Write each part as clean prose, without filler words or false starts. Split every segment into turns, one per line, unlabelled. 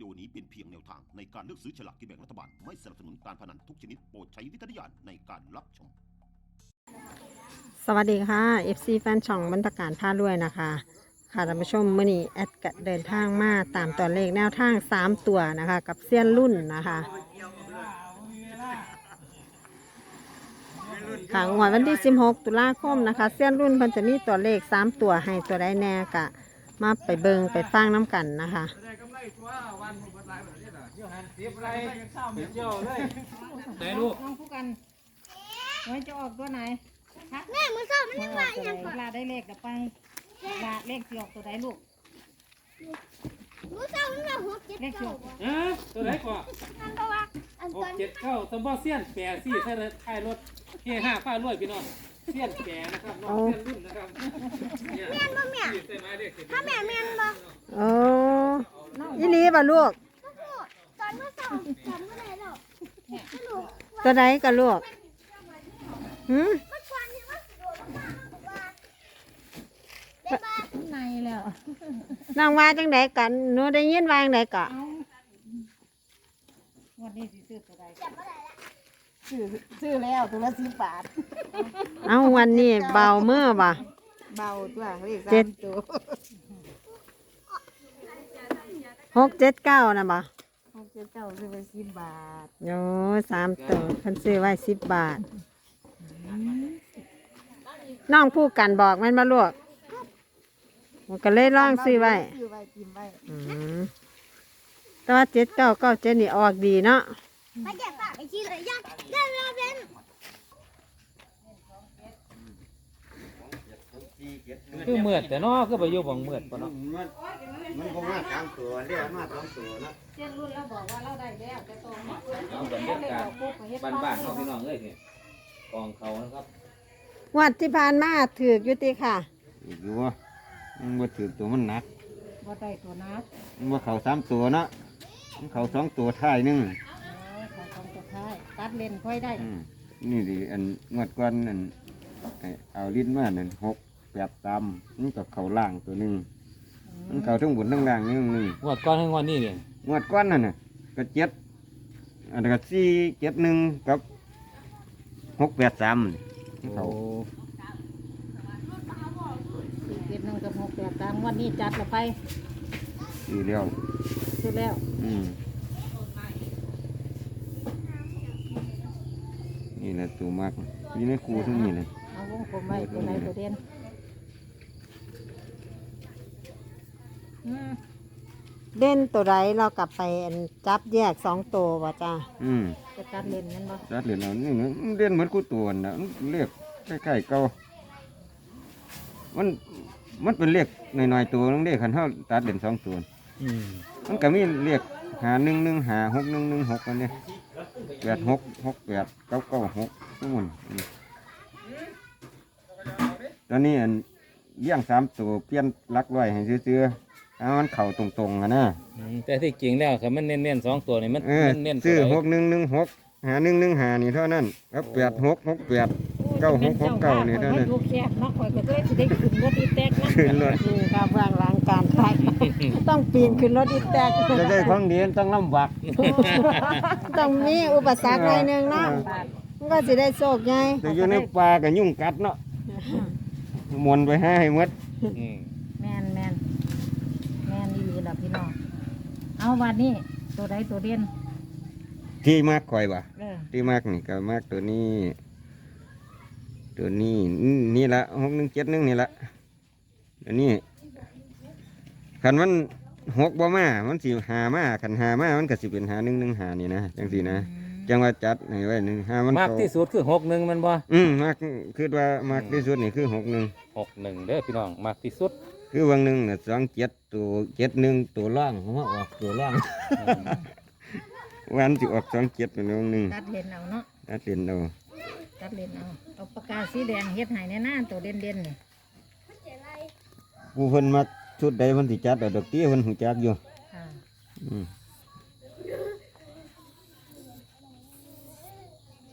โอนี้เป็นเพียงแนวทางในการเลือกซื้อฉลากกินแบ่งรัฐบาลไม่สนับสนุนการพนันทุกชนิดโปรดใช้วิจารณญาณในการรับชม
สวัสดีค่ะ FC แฟนช่องบรรพการท่าด้วยนะคะค่ะท่านผู้ชมมื่อนี้แอดก็เดินทางมาตามตัวเลขแนวทาง3ตัวนะคะกับเซียนรุ่นนะคะค่ะงวดวันที่16ตุลาคมนะคะเซียนรุ่นเพิ่นจะมีตัวเลข3ตัวให้ตัวได้แน่กะมาไปเบิงไปฟังน้ำกันนะคะ
ไหนลูก
น้องผู้กันไว้จะออกตัวไหนฮะ
แม่มือซ้อมันยัง
อ
ไง
อกตัวไหน
ยังก่อน
ลาได้เลขเดี๋ยวไปลาเลขที่ออกตัวไหนลูก
มือซ้อมันแบบหัวเจ็บ
เลขที่
เก่า
ออก
ตัวไหนก่อน
อันตัวอัน
ห
ต
ก
อน
เจ็ดเข้าสมบอเซียนแปรซี่ใช่เลยท้ายรถเฮห้าฟ้ารวยพี่น้องเซียนแปรนะครับน้องเซียนรุ่นนะครับเนี่ย
แม่นบ่แม่
ใส่ไม้เด็ก
ถ้าแม่แม่นบ่
โอ้ยี่ลีป่ะลูก
ก็พูดตอนมือซ้อมจำไม่ได้หรอกไม่รู้
ตัวใดกับลูกหืม
มันควันยังว่าโดดมากว่าเด็กบ้า
ในแล้ว
น้องว่าจังไดกันหนูได้ยินว่าจังไดกะ
เอาวันนี้สิซื้อตัวใด
จำไม่ได้ละ
ซื้อแล้วตัวละ10 บาท
เอาวันนี้เบาเมื่อป่ะ
เบาตัวเลข
เจ็ด
ตัว
679นะบ่
เขาจะเจ้าซื้อไป10 บาท
โอ้3ตัวเพิ่นซื้อไว้10 บาท น้องผู้กันบอกแมันมาลวกมันก็เลยล่องซื้อไว้
ซื้อไว้กินไว้
อืมแต่ว่า7997นี่ออกดีเนาะ
ไปแจกฝากไอ้ชีเลยยังเดินเราเป็น
คือเมือดแต่นอคือไปอยู่บังเมือดปะเนาะ
มันคงมา3ตัวเรียกมา2ตัวนะ
เจ้ารุ่นเราบอกว่าเราได้แล้วแต่ตัวนี้
เอาบรรยากาศบ้านๆเขาพี่น้องเอ้ยเนี่ยกองเขานะครับ
งวัดที่ผ่านมาถือกอยู่ติค่ะ
อีกอยู่ว่ามันบ่ถือตัวมันหนัก
บ่ได้ตัวนัก
มันบ่เข้า3ตัวเนาะมันเข้า2ตัวท้ายหนึง
เขาต้องตัวท้ายตัดเลนค่อยได้
นี่ดิอันงวดก่อนอันเอาลิ้นมานั่น6 8ตำมันก็เข้าล่างตัวหนึงมันเข้าทั้งบนทั้งล่างนี่นึง
งวดก้อนให้งวดนี้เนี่ย
งวดก่อนนั่นน่ะก็7อันนั้นก็4 7 1กับ6 8 3มันเข้า
471กับ68ตามวันนี้จัดละไป
สี่แล้ว
ซื้อแล้ว
นี่แหละตัวมากอยู่ในครูทั้งนี้เลย
เอาวงกลมไว้ตัวไหนตัวเด่นอืม
เล่นตัวใดเรากลับไปอันจับแยก2ตัวบ่จ้า
จะตัดเลนนั่นบ่
รัดเหรียญเอานี่นะมันเรียนเหมือนกูตัวน่ะมันเรียกใกล้ๆเก่ามันเป็นเรียกหน่อยๆตัวนึงเรียกขันเท่าตัดเหรียญ2 ตัว มันก็มีเรียกหา1 1 หา6 1 1 6กันเนี่ย8 6 6 8 9 9 6ทุกมันตอนนี้อันเลี้ยง3 ตัวเปลี่ยนหลักร้อยให้ซื้อๆเอามันเข่าตรงๆอะนะ
แต่ที่จริงแล้วครับมันเน้นๆ2ตัวนี่มัน เน้นๆ
ซื้อ
ตัวใด
6116หา1 1 หานี่เท่านั้นแล้ว8 6 6 8 9 6 6 9นี่เท่านั้น
ลูกแคบเนาะข่อยก็เลยสิได้ขึ้นรถอีแตกนะ
ขึ้นรถ
นี่ค่ะเบื้องหลังการถ่าย ต้องปีนขึ้นรถอีแตก
จะได้ของดีต้องลำบาก
ต้องมีอุปสรรคหน่อยหนึงเนาะมันก็สิได้โชคใหญ่
แต่อยู่ในป่าก็ยุ่งกัดเนาะมวนไปให้หมด
อืม
แม่นแม่นแม่นดีล่ะพี่น้องเอาวันนี้ตัวใดตัวเด่น
ที่มากคอยว่ะ
เ
ที่มากนี่ก็มากตัวนี้ ตัวนี้นี่ละ6171นี่ละตัวนี้คันมัน6บ่มามันสิหามาคันหามามันก็สิเป็นหา1 1 หานี่นะจังซี่นะจังว่าจัดให้ไว้1หามัน
มากที่สุดคือ61มันบ่
มากคือว่ามากที่สุดนี่คือ61
61เด้อพี่น้องมากที่สุด
คือวังหนึ่งน่ะ27ตัว71ตัวล่างผมว่าออกตัวล่าง วันที่ออก27เป็นวังหนึ่ง
ตัดเลนเอาเนาะ
ตัดเรียนเอา
ตัดเลนเอาปากกาสีแดงเฮ็ดให้แน่นาตัวเด่นเด่นนี่
ผู้เพิ่นมาชุดใดเพิ่นสิจัดเอาดอกเตี้ยเพิ่นหูจักอยู่
ค่ะ
อืม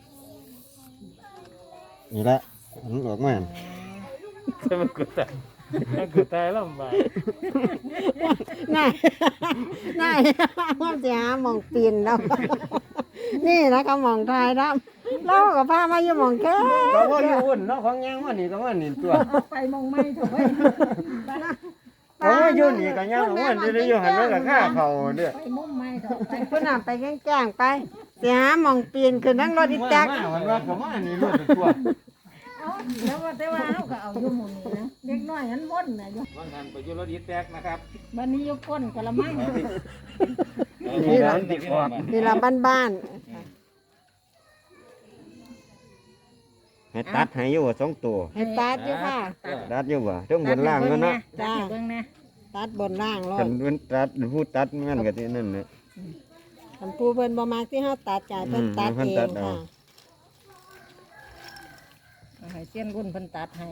นี่ละมันออกมา
ใช่มันกูตาแล้วกูตายลำบาก
น่ายน่ายว่าจะหาหมองปีนแล้ว นี่นะคะหมองทายดำเรากับพามาอยู่หมองแค่
ก็ว่าอยู่อุ่นเนาะของยังว่านี่ก็ว่านี่ตัว
เอาไปมองไม่ถูกไหม
โอ้ยอยู่นี่ก็ยังว่านี่ได้อยู่หันแล้วก็ฆ่าเขาเด้อ
ไปมุมไม่ถูกไป
เพื่อนำไปแกล้งๆไปเสียหาหมองปีนคือนั่งรถอีแจ๊ก
มาวันว่าก็มานี่รถตัว
เอาแล้วว่าแต่ว่าเขาก็เอาอยู่หมุนนี่นะเด็กน้อยนั้นวนนะอยู่
ว่างานไปอยุรดีแตกนะครับ
วันนี้ยกก้นกะละมัง
นี่ร้านติดออก
นี่ละบ้าน
ให้ตัดให้อยู่สองตัว
ๆให้ตัดอยู่ค่ะ
ตัดอยู่บ่ต้องบนล่างก็เนาะ
จ้าเบิ่งนะ
ตัดบนล่างร
กั
ถ
นเป็นตัดผู้ตัดมันก็ที่นั่นน่ะ
คันผู้เพิ่นบ่มักที่เฮาตัดจ่ายเพิ่นตัด
เพิ่น
เอ
ตั
ง
ดเอา
ค่ะ
เอาให้เส้นรุ่นเพิ่นตัดให้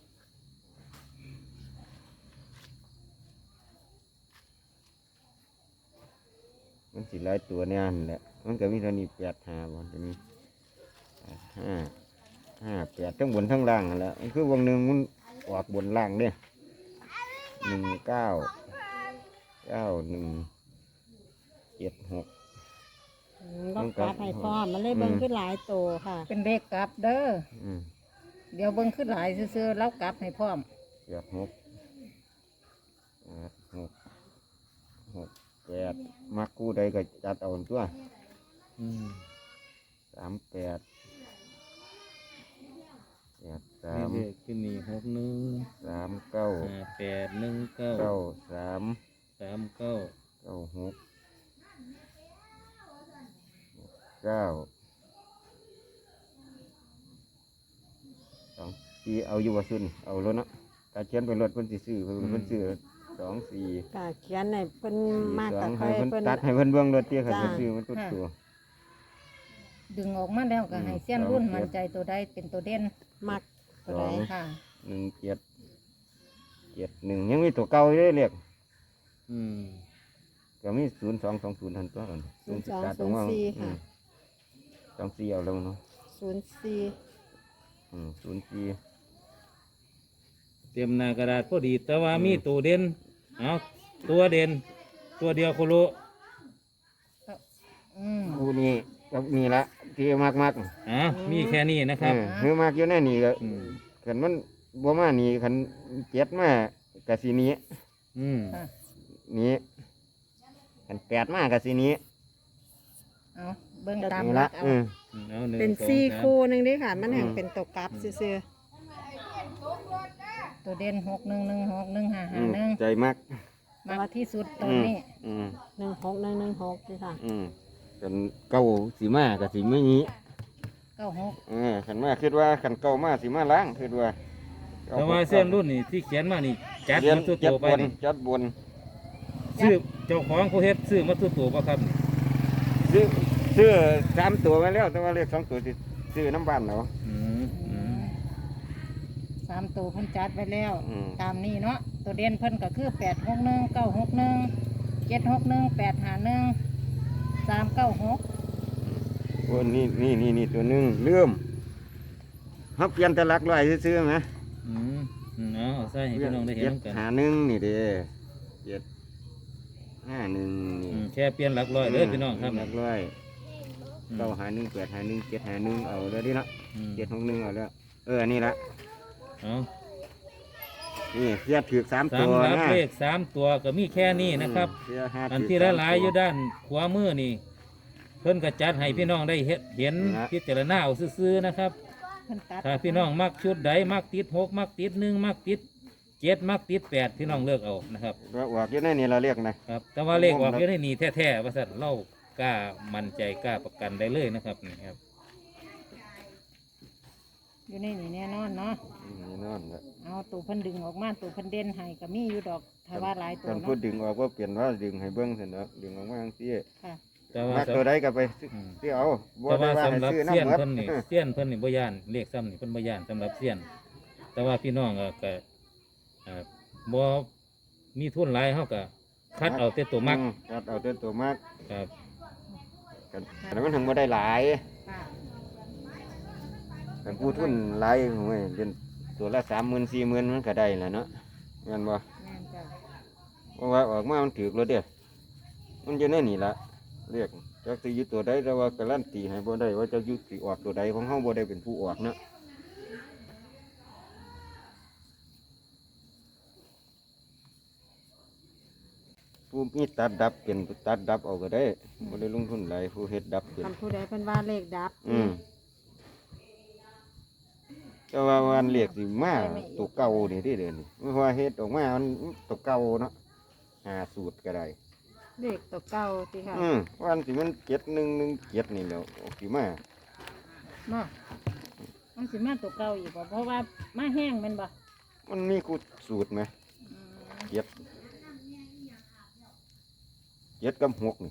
มันสิหลายตัวเนี่ยนั่นแหละมันก็มีเท่านี้8 5บ่จะมี5 5 8ทั้งบนทั้งล่างนั่นแหละมันคือวงหนึงมันออกบนล่างเนี่ย19 91 76
ต้องตัดให้พร้อมมันเลยเบิ่งขึ้นหลายโตค่ะ
เป็นเลขกลับเด้อ
อืม
เดี๋ยวเบิ่งขึ้นหลายซื่อๆแล้วกลับให้พร้อม
6 มักกู้ใดก็จัดเอาตัว
อืม
38
นี่
83
เลขที่นี่61
39
5819
93
39
96 9 2 4เอาอยู่ว่าซุนเอารถเนาะถ้าเขียนเป็นรถเพิ่นสิซื้อเพิ่นซื้อ2 4
ก็เขียนให้เพิ่นมากก็
2
ค่
ให้
อย
เพิ่น
เพิ่น
ตัดให้เพิ่นเบิ่งรถเตี้ยค่ะ
จ้า
เพิ่นซื้อมันตุดตัว
ดึงออกมาแล้วก็ให้เส้นรุ่นมั่นใจตัวใดเป็นตัวเด่น
มักตัวใด
ค่ะ
1771ยังมีตัวเก่าอยู่เลยเรียก
อืม
ก็มี0220ทันตัวกัน
0204ค่ะ
24เอาแล้วเนาะ
04
04
เตรียมหน้ากระดาษพอดี แต่ว่ามีตัวเด่นเอาตัวเด่นตัวเดียวโคโล
อืม
คู่นี้กับนี่ละที่มาก
มีแค่นี้นะครับ
คือมากอยู่ในนี่ก็
อืม
คันมันบ่มานี่คันเจ็ดมากะสิหนี้
อืม
ค่ะ
นี้คัน8มากะสิหนี้
เอาเบิ่งตาม
นี่
หลั
ละ
กเอา
เอาหนึ่ง
เป็น
สอง
ซี่
สาม
คู่หนึงเด้ค่ะ มันแห่งเป็นตัวกลับซื่อ
ตัวเด่น61161551
ใจมาก
มากที่สุดตอนนี้
ๆ16116นี่ค่ะ
กันเก้าสิมากะสิไม่นี้
96
คันมาคิดว่าคันเก้ามาสิมาล้างคิดว่า
แต่ว่าเส้นรุ่นนี่ที่เขียนมานี่จัด
เรียน
มาตัว
จัด
ตัวไป
บน
นี่
จัดบน
ซื้อเจ้าของผู้เฮ็ดซื้อมาตัวตัวป่ะครับ
ซื้อ3ตัวไว้แล้ว แต่ว่าเลข2ตัวสิซื้อน้ำบ้านเนาะ
อืมอืม
3ตัวเพิ่นจัดไว้แล้ว
อืม
ตามนี้เนาะตัวเด่นเพิ่นก็คือ861 961 761 851 396
โอ้นี่ตัวหนึงลืมเฮาเปลี่ยนแต่หลักร้อยซื่อๆไหม
อืมเอาใส่ให้พี่น้องได้เห็นน้ำกัน
751นี่เด้751นี่
แค่เปลี่ยนหลักร้อยเลยพี่น้องครับ
หลักร้อย951 851 751เอาแล้วดิเนาะ
อืม
761เอาแล้วอันนี้ละ
เอา
นี่เสียถือ3
สา
ตั
ม
ว
รับ
นะ
เลข3 ตัวก็มีแค่นี้นะครับ
เสียห้า
อัน
ถื
ที่
สาม
หลายๆอยู่
ตัว
ด้านขวามือนี่ เพิ่นก็จัดให้พี่น้องได้เห็น
นะ
พิจารณาเอาซื่อๆนะครับ
เพิ่นตัด
ถ้าพี่น้องมักชุดใดมักติด6มักติด1มักติด7มักติด8พี่น้องเลือกเอานะครับ
ว่าออกอยู่ในนี่เราเรียกนะ
ครับ แต่ว่าเลขออกอยู่ในนี่แท้ๆว่าซั่นเรากล้ามั่นใจกล้าประกันได้เลยนะครับนี่ครับ
อยู่ในนี่แน่นอนเนาะ
นี่นอนละ
เอาตัวเพิ่นดึงออกมาตัวเพิ่นเด่นให้ก็มีอยู่ดอกถ้าว่าหลายตัว
กันพูด
เนาะ
ดึงออกว่าเปลี่ยนว่าดึงให้เบิ้งเสร็จแล้วดึงออกมาทั้งที่
ค่ะ
แต่ว่า
มักตัวใดก็ไป
อืม
ซื้อเอาบ่
แต่
ได้
ว่า
ว่าให้
สำหรับ
ซื้อ
เสี้ยน
น้ำหมด
เพิ่นนี่เสี้ยนเพิ่นนี่บ่ย่านเลขซ้ำนี่เพิ่นบ่ย่านสำหรับเสี้ยน แต่ว่าพี่น้องก็บ่มีทุนหลายเฮาก็คัดเอาแต่ตัวมัก
คัดเอาแต่ตัวมัก
ครับ
กันแต่มันถึงบ่ได้หลาย
ค่ะ
กันผู้ทุนหลายโอ้ยเรียนตัวละ30,000 40,000มันก็ได้แหละเนาะแม่นบ่
แม่นจ้ะ
เพราะว่าออกมามันถือแล้วเด้มันจะแน่นี่ละเรียกจักสิอยู่ตัวใดแต่ว่าการันตีให้บ่ได้ว่าจะอยู่สิออกตัวใดของเฮาบ่ได้เป็นผู้ออกเนาะผู้มีตัดดับเป็นตัดดับเอาก็ได้บ่ได้ลงทุนหลายผู้เฮ็ดดับเป็น
คำผู้ใดเพิ่นว่าเลขดับ
แต่ว่าวันเรียกสิมาตัวเก่านี่ที่เดือนนี่ไม่ว่าเฮ็ดออกมามันตัวเก่าเนาะหาสูตรก็ได้
เลขตัวเก่าสิค่ะ
วันสิมัน7117นี่แหล้วออกสิมา
มามันสิมาตัวเก่าอีกบ่เพราะว่ามาแห้งแม่นบ่
มันมีคูสูตรไหม
อืม
เจ็ดกับหกนี่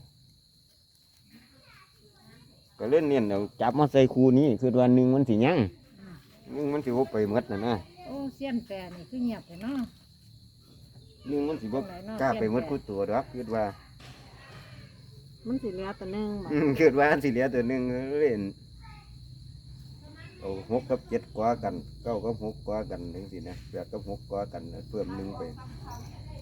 ก็เล่นเนี่ยเอาจับมาใส่คูนี้คือวันหนึ่งมันสิยังหนึ่งมันสิบ่ไปหมดนะ
โอ้เสี้ยนแปรนี่คือเงียบเลยเนาะ
หนึ่งมันสิบ่กล้าไปหมดคูตัวดอกคิดว่า
มันสิเหลือตัวหนึงบ่
คิดว่าสิเหลือตัวหนึ่งเล่นเอาหกกับ7กว่ากัน9กับ6กว่ากันจังซี่นะ8กับ6กว่ากันเพิ่มหนึ่งไป